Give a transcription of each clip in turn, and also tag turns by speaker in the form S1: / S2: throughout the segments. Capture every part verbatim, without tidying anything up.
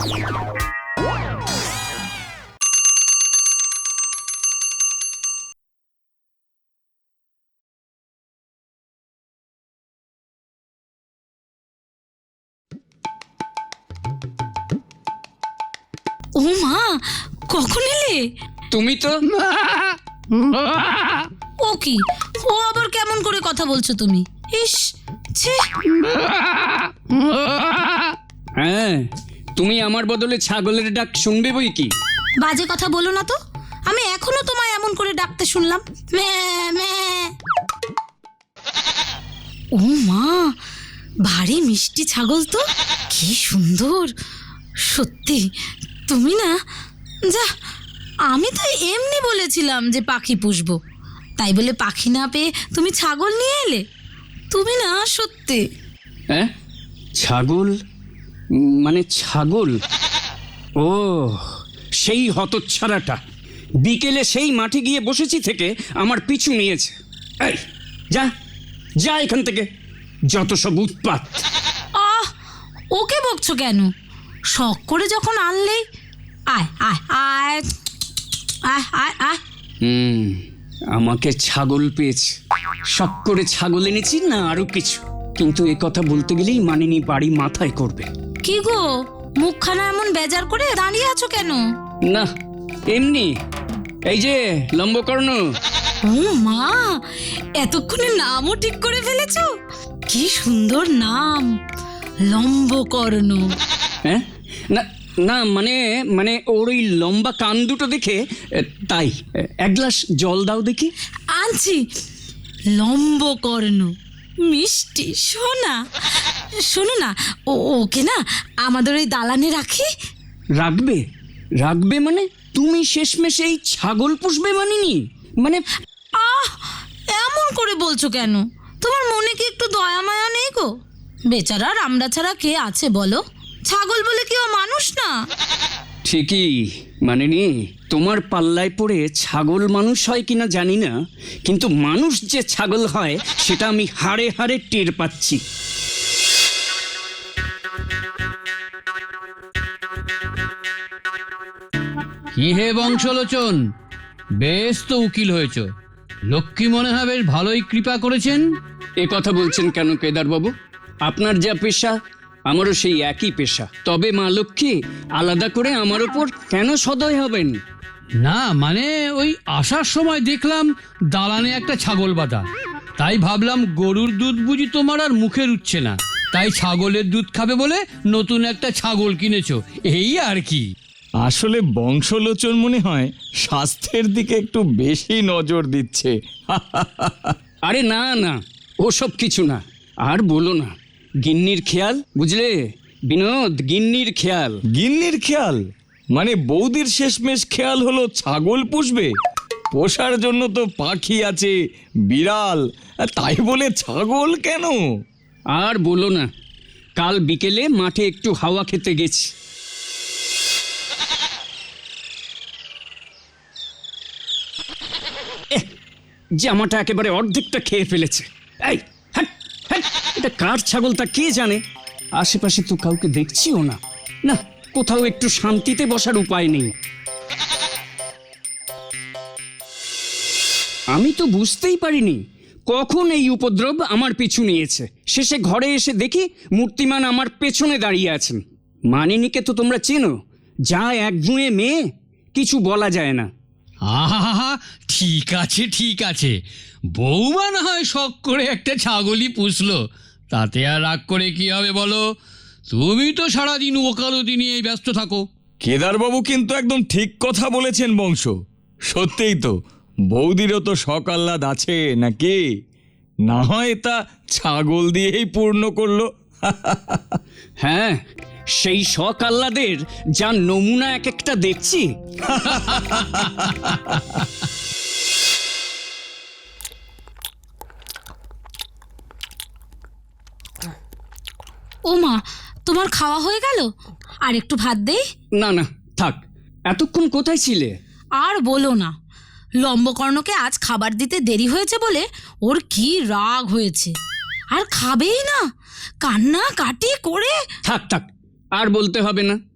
S1: ও মা, কখন এলে?
S2: তুমি তো
S1: ও কি, ও আবার কেমন করে কথা বলছো তুমি? ইস, ছে।
S2: হ্যাঁ, তুমি আমার বদলে ছাগলের ডাক শুনবে বই কি?
S1: বাজে কথা বলো না তো, আমি এখনো তোমায় এমন করে ডাকতে শুনলাম। ম্যা ম্যা। ও মা, ভারী মিষ্টি ছাগল তো, কি সুন্দর। সত্যি তুমি না, যা, আমি তো এমনি বলেছিলাম যে পাখি পুষবো, তাই বলে পাখি না পেয়ে তুমি ছাগল নিয়ে এলে। তুমি না সত্যি।
S2: হ্যাঁ, ছাগল মানে ছাগল? ও, সেই হতচ্ছাড়াটা বিকেলে সেই মাঠে গিয়ে বসেছি থেকে আমার পিছু নিয়েছে। এই যা যা এখান থেকে, যত সব উৎপাত।
S1: আহ, ওকে বকছো কেন? শখ করে যখন আনলেই। আয় আয় আয় আয় আয় আয়।
S2: হুম, আমাকে ছাগল পেয়েছে, শখ করে ছাগল এনেছি না আরো কিছু, কিন্তু এ কথা বলতে গেলেই মানিনি বাড়ি মাথায় করবে।
S1: কি গো, মুখখানা এমন বেজার করে দাঁড়িয়ে আছো কেন?
S2: না, এমনি। এই যে লম্বকর্ণ।
S1: ও মা, এতক্ষণে নামও ঠিক করে ফেলেছো? কি সুন্দর নাম, লম্বকর্ণ।
S2: হ্যাঁ, না না, মানে মানে ওর ওই লম্বা কান দুটো দেখে তাই। এক গ্লাস জল দাও দেখি।
S1: আনছি। লম্বকর্ণ, মিষ্টি সোনা। শোনো না, ও ওকে না আমাদের ওই দালানে রাখি।
S2: রাখবে? রাখবে মানে তুমি শেষমেশ এই ছাগল পুষবে মানিনি? মানে
S1: আহ, এমন করে বলছো কেন? তোমার মনে কি একটু দয়া মায়া নেই গো? বেচারার আমরা ছাড়া কে আছে বলো? ছাগল বলে কি ও মানুষ না?
S2: ঠিকই মানিনি, তোমার পাল্লায় পড়ে ছাগল মানুষ হয় কিনা জানি না, কিন্তু মানুষ যে ছাগল হয় সেটা আমি হাড়ে হাড়ে টের পাচ্ছি।
S3: কি হে বংশলোচন, বেশ তো উকিল হয়েছ। লক্ষ্মী মনে হয় বেশ ভালোই কৃপা করেছেন।
S2: এ কথা বলছেন কেন কেদারবাবু? আপনার যা পেশা আমারও সেই একই পেশা, তবে মা লক্ষ্মী আলাদা করে আমার ওপর কেন সদয় হবেন?
S3: না মানে ওই আসার সময় দেখলাম দালানে একটা ছাগল বাঁধা, তাই ভাবলাম গরুর দুধ বুঝি তোমার আর মুখে রুচ্ছে না, তাই ছাগলের দুধ খাবে বলে নতুন একটা ছাগল কিনেছো, এই আর কি।
S4: আসলে বংশলোচন মনে হয় স্বাস্থ্যের দিকে একটু বেশি নজর দিচ্ছে।
S2: আরে না না, ওসব কিছু না। আর বলো না, গিন্নির খেয়াল বুঝলে বিনোদ, গিন্নির খেয়াল।
S4: গিন্নির খেয়াল মানে বৌদির শেষমেশ খেয়াল হলো ছাগল পুষবে? পোষার জন্য তো পাখি আছে, বিড়াল, তাই বলে ছাগল কেন?
S2: আর বলো না, কাল বিকেলে মাঠে একটু হাওয়া খেতে গেছি। জামাটা একেবারে অর্ধেকটা খেয়ে ফেলেছে। এই হ্যাট হ্যাট, এটা কার ছাগল তা কে জানে? আশেপাশে তো কাউকে দেখছিও না। না, কোথাও একটু শান্তিতে বসার উপায় নেই। আমি তো বুঝতেই পারিনি কখন এই উপদ্রব আমার পিছু নিয়েছে। শেষে ঘরে এসে দেখি মূর্তিমান আমার পেছনে দাঁড়িয়ে আছেন। মানিনীকে তো তোমরা চেনো, যা একগুঁয়ে মেয়ে, কিছু বলা যায় না।
S3: আহা, ঠিক আছে ঠিক আছে, বৌমা না হয় শখ করে একটা ছাগলই পুষলো, তাতে আর রাগ করে কি হবে বলো? তুমি তো সারাদিন ওকালতি নিয়ে ব্যস্ত থাকো।
S4: কেদারবাবু কিন্তু একদম ঠিক কথা বলেছেন বংশ। সত্যিই তো, বৌদিরও তো শখ আহ্লাদ আছে নাকি? না হয় তা ছাগল দিয়েই পূর্ণ করলো।
S2: হ্যাঁ, সেই শখ আহ্লাদের যা নমুনা এক একটা দেখছি।
S1: ও মা, তোমার খাওয়া হয়ে গেল? আর একটু ভাত দেই?
S2: না না, থাক। এতক্ষণ কোথায় ছিলে?
S1: আর বলো না, লম্বকর্ণকে আজ খাবার দিতে দেরি হয়েছে বলে ওর কি রাগ হয়েছে, আর খাবেই না, কান্না কাটি করে।
S2: থাক থাক, আর বলতে হবে না।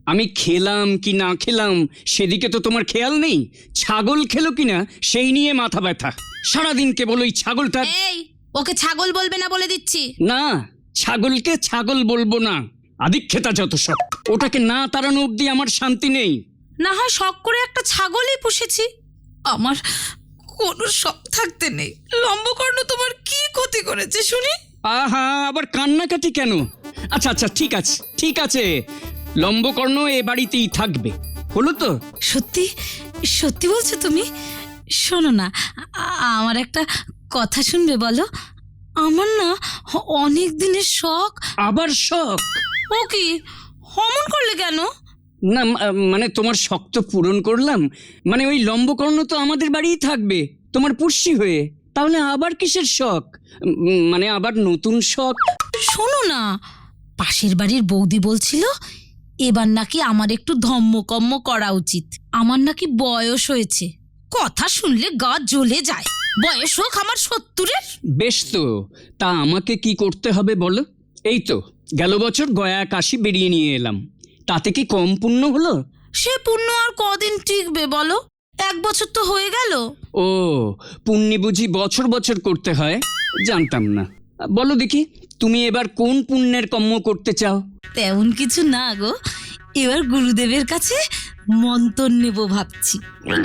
S2: আমি খেলাম কি না খেলাম সেদিকে তো তোমার খেয়াল নেই। ছাগল খেলো কিনা সেই নিয়ে মাথা ব্যথা। সারাদিন কেবল ওই ছাগলটা।
S1: এই, ওকে ছাগল বলবে না বলে দিচ্ছি।
S2: না, ছাগলকে ছাগল বলবো না, আদিক্ষেতা যত সব। ওটাকে না তাড়ানো অব্দি আমার শান্তি নেই।
S1: না হয় শখ করে একটা ছাগলই পুষেছি, আমার কোনো শখ থাকতে নেই। লম্বকর্ণ তোমার কি ক্ষতি করেছে শুনি?
S2: আহা, আবার কান্নাকাটি কেন? আচ্ছা আচ্ছা, ঠিক আছে ঠিক আছে, লম্বকর্ণ এ বাড়িতেই থাকবে, হলো তো?
S1: সত্যি সত্যি বলছো তুমি? শোনো না, আ- আমার একটা কথা শুনবে বলো? আমার না অনেক দিনের শখ।
S2: আবার শখ?
S1: ও কি অমন করলে কেন?
S2: না মা- মানে তোমার শখ তো পূরণ করলাম, মানে ওই লম্বকর্ণ তো আমাদের বাড়িই থাকবে তোমার পুষ্যি হয়ে, তাহলে আবার কিসের শখ? উম, মানে আবার নতুন শখ?
S1: শোনো না, পাশের বাড়ির বৌদি বলছিল এবার নাকি আমার একটু ধম্মকম্ম করা উচিত। আমার নাকি বয়স হয়েছে, কথা শুনলে গা জ্বলে যায়। বয়স হোক আমার সত্তরের।
S2: বেশ তো, তা আমাকে কি করতে হবে বলো? এই তো গেল বছর গয়া কাশি বেরিয়ে নিয়ে এলাম, তাতে কি কম পুণ্য হলো?
S1: সে পুণ্য আর কদিন টিকবে বলো? এক বছর তো হয়ে গেল।
S2: ও, পুণ্যি বুঝি বছর বছর করতে হয়? জানতাম না। বলো দেখি, তুমি এবার কোন পুণ্যের কর্ম করতে চাও?
S1: তেমন কিছু না গো, এবার গুরুদেবের কাছে মন্তর নেব ভাবছি।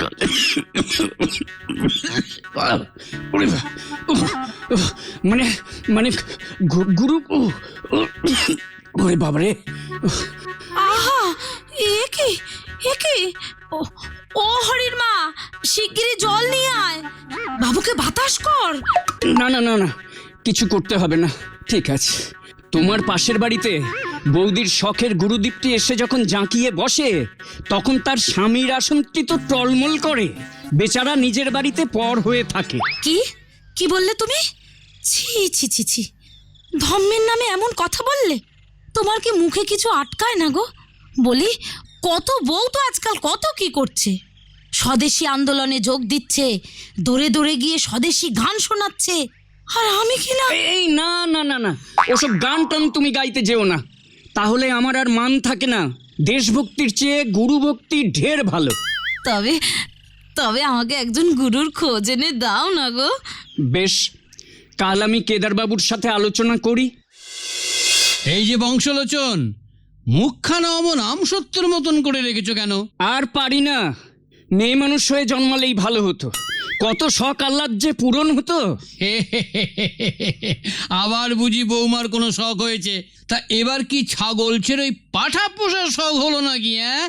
S2: মানে মানে গু- গুরু, উহ, উহ, ওরে বাবারে!
S1: আহা, এ কি এ কি? ও ও হরির মা, শিগগিরই জল নিয়ে আয়, বাবুকে বাতাস কর।
S2: না না না না, কিছু করতে হবে না, ঠিক আছে। তোমার পাশের বাড়িতে বৌদির শখের গুরুদীপটি এসে যখন জাঁকিয়ে বসে, তখন তার স্বামীর আসনটি তো টলমল করে, বেচারা নিজের বাড়িতে পর হয়ে থাকে।
S1: কি কি বললে তুমি? ছি ছি ছি ছি, ধম্মের নামে এমন কথা বললে? তোমার কি মুখে কিছু আটকায় না গো? বলি, কত বউ তো আজকাল কত কি করছে, স্বদেশী আন্দোলনে যোগ দিচ্ছে, দৌড়ে দৌড়ে গিয়ে স্বদেশী গান শোনাচ্ছে, আর আমি কি না।
S2: এই না না না না, ওসব গান টান তুমি গাইতে যেও না, তাহলে আমার আর মান থাকে না। দেশভক্তির চেয়ে গুরুভক্তি ঢের ভালো।
S1: তবে তবে আমাকে একজন গুরুর খোঁজ এনে দাও না গো।
S2: বেশ, কাল আমি কেদারবাবুর সাথে আলোচনা করি।
S3: এই যে বংশলোচন, মুখখানা অমন আমসত্তর মতন করে রেখেছো কেন?
S2: আর পারি না, মেয়ে মানুষ হয়ে জন্মালেই ভালো হতো, কত শখ আহ্লাদ যে পূরণ হতো।
S3: আবার বুঝি বৌমার কোনো শখ হয়েছে? তা এবার কি ছাগল ছেড়ে ওই পাঠা পোষার শখ হলো নাকি? হ্যাঁ,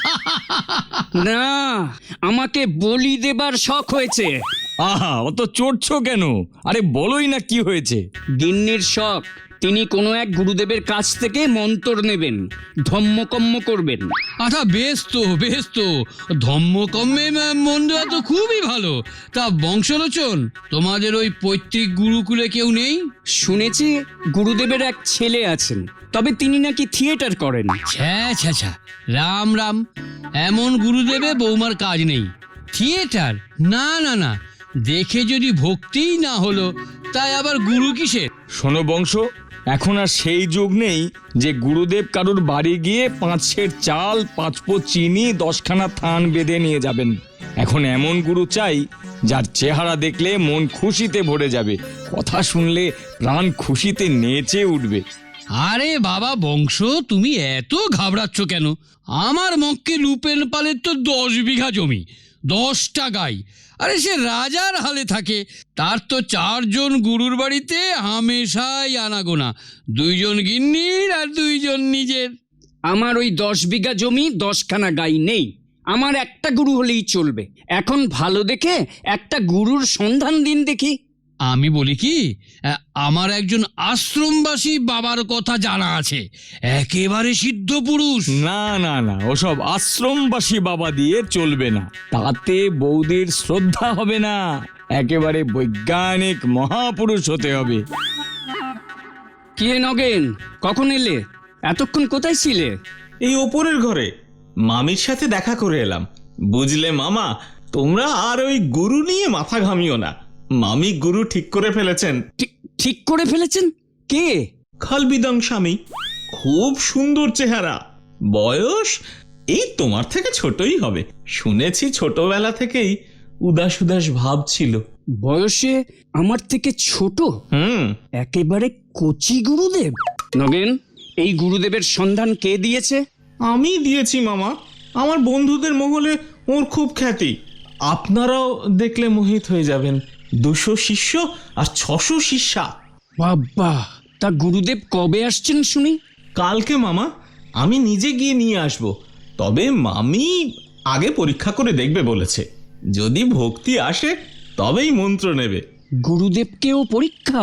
S2: না, আমাকে বলি দেবার শখ হয়েছে।
S4: আহা, অত চড়ছো কেন? আরে বলোই না কি হয়েছে।
S2: গিন্নির শখ, তিনি কোনো এক গুরুদেবের কাছ থেকে মন্তর নেবেন, ধম্মকম্ম করবেন।
S3: আচ্ছা, বেশ তো বেশ তো, ধম্মকম্মে ম- মন দেওয়া তো খুবই ভালো। তা বংশলোচন, তোমাদের ওই পৈতৃক গুরুকুলে কেউ নেই?
S2: শুনেছি গুরুদেবের এক ছেলে আছেন, তবে তিনি নাকি থিয়েটার করেন।
S3: ছ্যা ছ্যা ছ্যা, রাম রাম, এমন গুরুদেবে বৌমার কাজ নেই। থিয়েটার? না না না, দেখে যদি ভক্তিই না হলো, তাই আবার গুরু কিসের?
S4: শোনো বংশ, এখন আর সেই যুগ নেই যে গুরুদেব কারুর বাড়ি গিয়ে পাঁচ সের চাল, পাঁচ পো চিনি, দশখানা থান বেঁধে নিয়ে যাবেন। এখন এমন গুরু চাই যার চেহারা দেখলে মন খুশিতে ভরে যাবে, কথা শুনলে প্রাণ খুশিতে নেচে উঠবে।
S3: আরে বাবা বংশ, তুমি এত ঘাবড়াচ্ছ কেন? আমার মক্কে লুপেন পালের তো দশ বিঘা জমি, দশটা গাই। আরে সে রাজার হালে থাকে, তার তো চারজন গুরুর বাড়িতে হামেশাই আনাগোনা, দুইজন গিন্নির আর দুইজন নিজের।
S2: আমার ওই দশ বিঘা জমি, দশখানা গাই নেই, আমার একটা গুরু হলেই চলবে। এখন ভালো দেখে একটা গুরুর সন্ধান দিন দেখি।
S3: আমি বলি কি, আ- আমার একজন আশ্রমবাসী বাবার কথা জানা আছে, একেবারে সিদ্ধ পুরুষ।
S4: না না না, ওসব আশ্রমবাসী বাবা দিয়ে চলবে না, তাতে বৌদির শ্রদ্ধা হবে না, একেবারে বৈজ্ঞানিক মহাপুরুষ হতে হবে।
S2: কি হে নগেন, কখন এলে? এতক্ষণ কোথায় ছিলে?
S5: এই ওপরের ঘরে মামির সাথে দেখা করে এলাম। বুঝলে মামা, তোমরা আর ওই গুরু নিয়ে মাথা ঘামিও না, মামি গুরু ঠিক করে ফেলেছেন।
S2: ঠিক ঠিক করে ফেলেছেন? কে?
S5: খালবিদং স্বামী, খুব সুন্দর চেহারা, বয়স এই তোমার থেকে ছোটই হবে। শুনেছি ছোটবেলা থেকেই উদাস উদাস ভাব ছিল।
S2: বয়সে আমার থেকে ছোট?
S5: হুম
S2: একেবারে কচি গুরুদেব। নগেন, এই গুরুদেবের সন্ধান কে দিয়েছে?
S5: আমি দিয়েছি মামা। আমার বন্ধুদের মহলে ওর খুব খ্যাতি। আপনারাও দেখলে মোহিত হয়ে যাবেন। দুশো শিষ্য আর ছশো শিষ্যা।
S2: বাবা, তা গুরুদেব কবে আসছেন শুনি?
S5: কালকে মামা, আমি নিজে গিয়ে নিয়ে আসব। তবে মামি আগে পরীক্ষা করে দেখবে বলেছে। যদি ভক্তি আসে তবেই মন্ত্র নেবে।
S2: গুরুদেবকেও পরীক্ষা?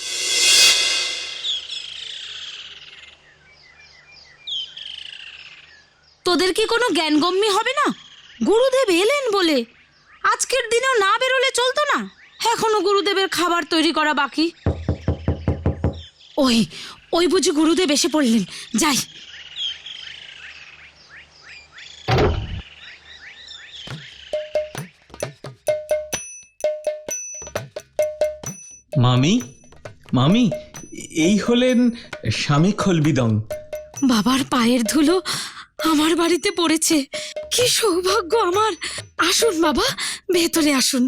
S1: তোদের কি কোনো জ্ঞানগম্যি হবে না? গুরুদেব এলেন বলে আজকের দিনেও না বেরোলে চলতো না? এখনো গুরুদেবের খাবার তৈরি করা বাকি। ওই ওই বুঝি গুরুদেব এসে পড়লেন, যাই।
S5: মামি, মামি, এই হলেন স্বামী খলবিদং।
S1: বাবার পায়ের ধুলো আমার বাড়িতে পড়েছে, কি সৌভাগ্য আমার। আসুন বাবা, ভেতরে আসুন।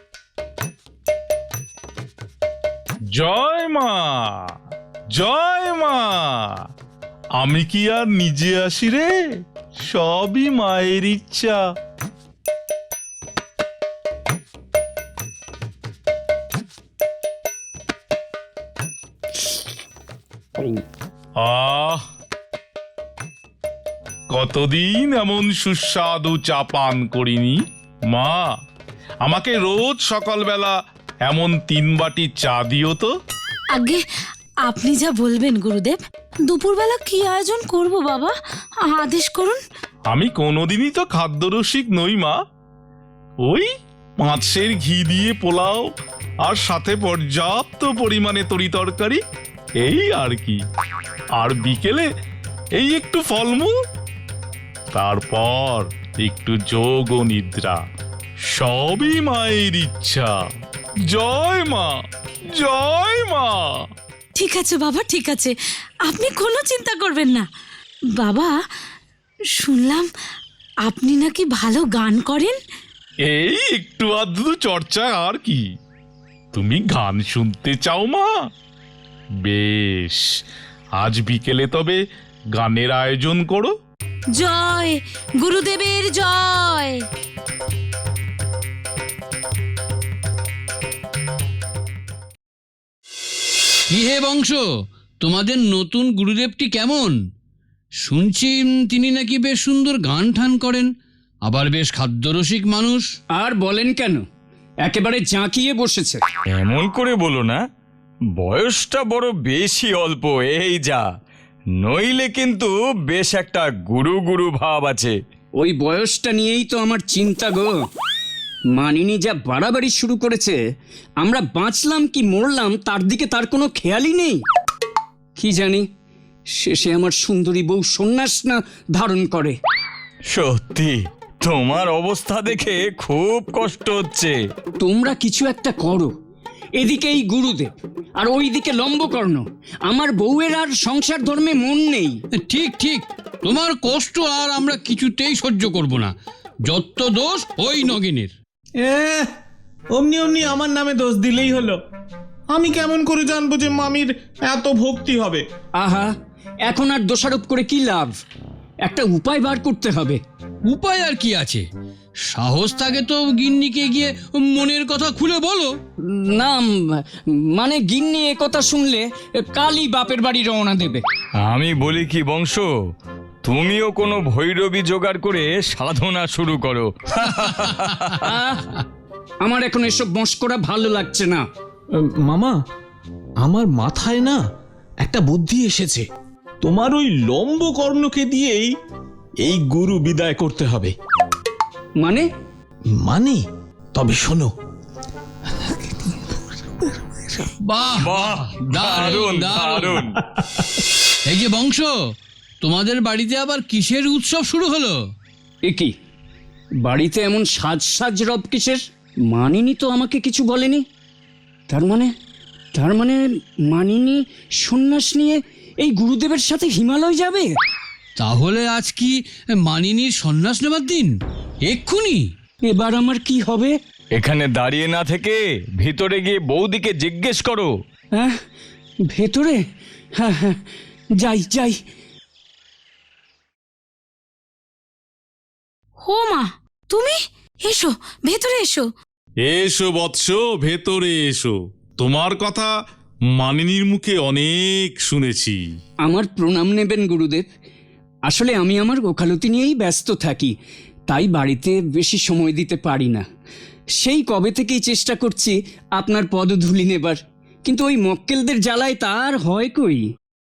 S6: জয় মা, জয় মা। আমি কি আর নিজে আসি রে? সবই মায়ের ইচ্ছা। আহ, কতদিন এমন সুস্বাদু চা পান করিনি। মা, আমাকে রোজ সকালবেলা এমন তিন বাটি চা দিও তো।
S1: আগে আপনি যা বলবেন গুরুদেব। দুপুরবেলা কি আয়োজন করব বাবা, আদেশ করুন।
S6: আমি কোনোদিনই তো খাদ্যরসিক নই মা। ওই পাঁচশের ঘি দিয়ে পোলাও আর সাথে পর্যাপ্ত পরিমাণে তরি তরকারি, এই আর কি। আর বিকেলে এই একটু ফলমূল, তারপর একটু যোগ ও নিদ্রা। সবই মায়ের ইচ্ছা। জয় মা, জয় মা।
S1: ঠিক আছে বাবা, ঠিক আছে, আপনি কোনো চিন্তা করবেন না। বাবা, শুনলাম আপনি নাকি ভালো গান করেন।
S6: এই একটু আধটু চর্চা আর কি। তুমি গান শুনতে চাও মা? বেশ, আজ বিকেলে তবে গানের আয়োজন করো।
S1: জয় গুরুদেবের জয়।
S3: কি হে বংশ, তোমাদের নতুন গুরুদেবটি কেমন? শুনছি তিনি নাকি বেশ সুন্দর গান ঠান করেন, আবার বেশ খাদ্যরসিক মানুষ।
S2: আর বলেন কেন, একেবারে জাঁকিয়ে বসেছে।
S4: এমন করে বলো না, বয়সটা বড় বেশি অল্প এই যা, নইলে কিন্তু বেশ একটা গুরু গুরু ভাব আছে।
S2: ওই বয়সটা নিয়েই তো আমার চিন্তা গো। মানিনি যা বাড়াবাড়ি শুরু করেছে, আমরা বাঁচলাম কি মরলাম তার দিকে তার কোনো খেয়ালই নেই। কি জানি শেষে আমার সুন্দরী বউ সন্ন্যাস না ধারণ করে।
S4: সত্যি তোমার অবস্থা দেখে খুব কষ্ট হচ্ছে।
S2: তোমরা কিছু একটা করো। এদিকে এই গুরুদেব আর ওইদিকে লম্বকর্ণ। আমার বউয়ের আর সংসার ধর্মে মন নেই।
S3: ঠিক ঠিক, তোমার কষ্ট আর আমরা কিছুতেই সহ্য করব না। যত দোষ ওই নগিনের।
S5: এ অমনি অমনি আমার নামে দোষ দিলেই হলো। আমি কেমন করে জানবো যে মামির এত ভক্তি হবে?
S2: আহা, এখন আর দোষারোপ করে কি লাভ? একটা উপায় বার করতে হবে।
S3: উপায় আর কি আছে? সাহস থাকে তো গিন্নিকে গিয়ে মনের কথা খুলে বলো।
S2: না মানে গিন্নি এ কথা শুনলে কালই বাপের বাড়ি রওনা দেবে।
S4: আমি বলি কি বংশ, তুমিও কোনো ভৈরবী জোগাড় করে সাধনা শুরু করো।
S2: আহ, আমার এখন এসব মস্করা ভালো লাগছে না।
S5: মামা, আমার মাথায় না একটা বুদ্ধি এসেছে। তোমার ওই লম্ব কর্ণকে দিয়েই এই গুরু বিদায় করতে হবে।
S2: মানে?
S5: মানে তবে শোনো।
S3: বাহ
S4: বাহ, দারুণ দারুণ।
S3: এই যে বংশ, তোমাদের বাড়িতে আবার কিসের উৎসব শুরু হলো?
S2: এ কি, বাড়িতে এমন সাজ সাজ রব কিসের? মানিনি তো আমাকে কিছু বলেনি। তার মানে তার মানে মানিনি সন্ন্যাস নিয়ে এই গুরুদেবের সাথে হিমালয় যাবে?
S3: তাহলে আজ কি মানিনীর সন্ন্যাস নেবার দিন? এক্ষুনি?
S2: এবার আমার কি হবে?
S4: এখানে দাঁড়িয়ে না থেকে ভিতরে গিয়ে বৌদিকে জিজ্ঞেস করো।
S2: হ্যাঁ, ভেতরে? হ্যাঁ হ্যাঁ, যাই যাই।
S1: ও মা, তুমি এসো, ভেতরে এসো।
S6: এসো বৎস, ভেতরে এসো। তোমার কথা মানিনীর মুখে অনেক শুনেছি।
S2: আমার প্রণাম নেবেন গুরুদেব। আসলে আমি আমার ওকালতি নিয়েই ব্যস্ত থাকি, তাই বাড়িতে বেশি সময় দিতে পারি না। সেই কবে থেকেই চেষ্টা করছি আপনার পদধূলি নেবার, কিন্তু ওই মক্কেলদের জ্বালায় তার হয় কই।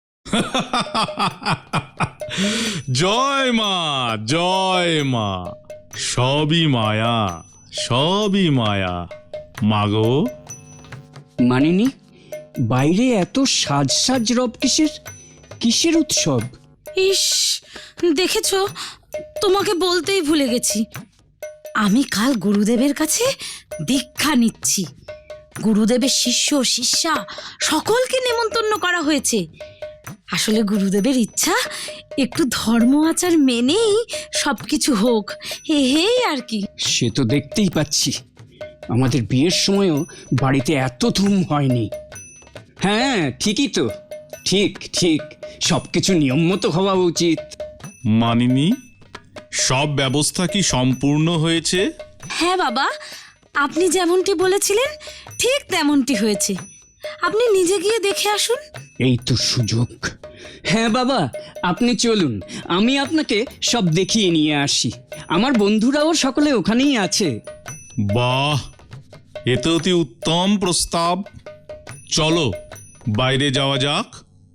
S6: জয় মা, জয় মা। সবই মায়া, সবই মায়া। মাগো,
S2: মানিনি, বাইরে এত সাজ সাজ রব কিসের? কিসের উৎসব?
S1: ইস, দেখেছো, তোমাকে বলতেই ভুলে গেছি। আমি কাল গুরুদেবের কাছে দীক্ষা নিচ্ছি। গুরুদেবের শিষ্য শিষ্যা সকলকে নেমন্তন্ন করা হয়েছে। আসলে গুরুদেবের ইচ্ছা একটু ধর্ম আচার মেনেই সবকিছু হোক, এই আর কি।
S2: সে তো দেখতেই পাচ্ছি। আমাদের বিয়ের সময়ও বাড়িতে এত ধুম হয়নি। হ্যাঁ, ঠিকই তো, ঠিক ঠিক, সবকিছু নিয়ম মতো হওয়া উচিত।
S6: মানিনী, সব ব্যবস্থা কি সম্পূর্ণ হয়েছে?
S1: হ্যাঁ বাবা, আপনি যেমনটি বলেছিলেন ঠিক তেমনটি হয়েছে। আপনি নিজে গিয়ে দেখে আসুন।
S2: এই তো সুযোগ। হ্যাঁ বাবা, আপনি চলুন, আমি আপনাকে সব দেখিয়ে নিয়ে আসি। আমার বন্ধুরাও সকলে ওখানেই আছে।
S6: বাহ, এ তো অতি উত্তম প্রস্তাব। চলো বাইরে যাওয়া যাক।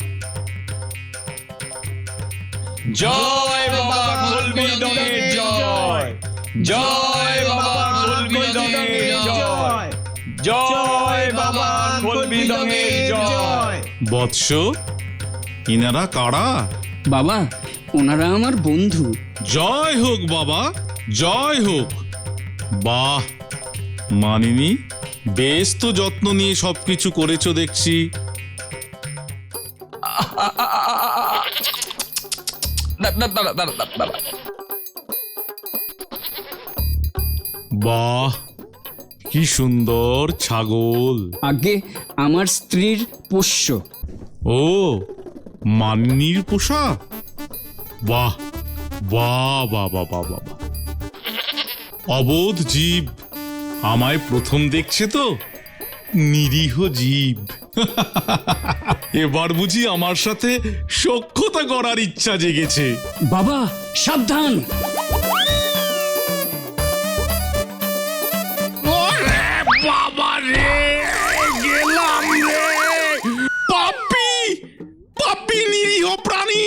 S4: জয় বাবা কুলবিদনের জয়, জয় বাবা কুলবিদনের জয়, জয় বাবা কুলবিদনের জয়।
S6: বৎস, ইনারা কারা?
S2: বাবা, ওনারা আমার বন্ধু।
S6: জয় হোক বাবা, জয় হোক। বাহ মানিনী, বেশ তো যত্ন নিয়ে সবকিছু করেছো দেখছি। বাহ, কি সুন্দর ছাগল।
S2: আগে আমার স্ত্রীর পোষ্য।
S6: ও, মানিনীর পোষা? বাহ বাহ বাহ বাহ বাহ বাহ। অবোধ জীব, আমায় প্রথম দেখছে তো, নিরীহ জীব। এবার বুঝি আমার সাথে সখ্যতা করার ইচ্ছা জেগেছে।
S2: বাবা সাবধান।
S6: বাবা রে, গেলাম রে। পাপি, পাপি, নিরীহ প্রাণী।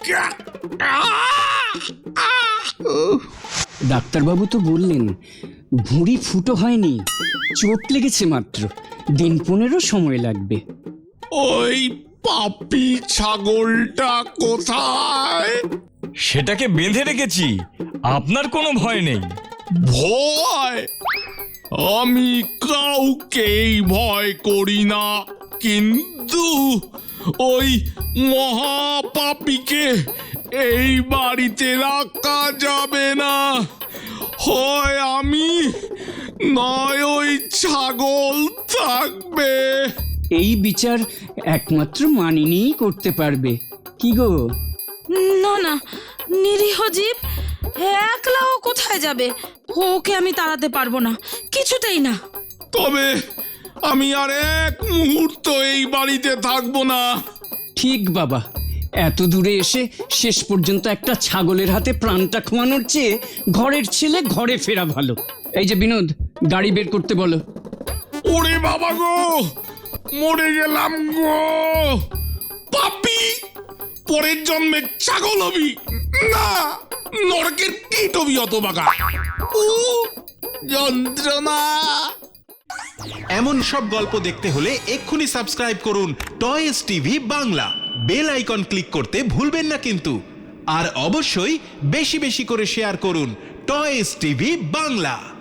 S2: ডাক্তারবাবু তো বললেন ভুঁড়ি ফুটো হয়নি, চোট লেগেছে মাত্র, দিন পনেরো সময় লাগবে।
S6: ওই পাপি ছাগলটা কোথায়?
S4: সেটাকে বেঁধে রেখেছি, আপনার কোনো ভয় নেই।
S6: ভয়? আমি কাউকেই ভয় করি না, কিন্তু ওই মহাপাপীকে এই বাড়িতে রাখা যাবে না। হয় আমি, নয় ওই ছাগল থাকবে।
S2: এই বিচার একমাত্র মানিনীই করতে পারবে। কি গো?
S1: না না, নিরীহ জীব একলা ও কোথায় যাবে? ওকে আমি তাড়াতে পারবো না, কিছুতেই না।
S6: তবে আমি আর এক মুহূর্ত এই বাড়িতে থাকবো না।
S2: ঠিক বাবা, এত দূরে এসে শেষ পর্যন্ত একটা ছাগলের হাতে প্রাণটা খোয়ানোর চেয়ে ঘরের ছেলে ঘরে ফেরা ভালো। এই যে বিনোদ, গাড়ি বের করতে বলো।
S6: ওরে বাবা গো, মরে গেলাম গো। পাপি, পরের জন্মে ছাগল হবি না, নরকের কীট হবি অত বাগা। উ যন্ত্রণা।
S7: এমন সব গল্প দেখতে হলে এক্ষুনি সাবস্ক্রাইব করুন toys TV Bangla. Bell icon click করতে ভুলবেন না কিন্তু। আর অবশ্যই বেশি বেশি করে শেয়ার করুন টয়েস টিভি বাংলা।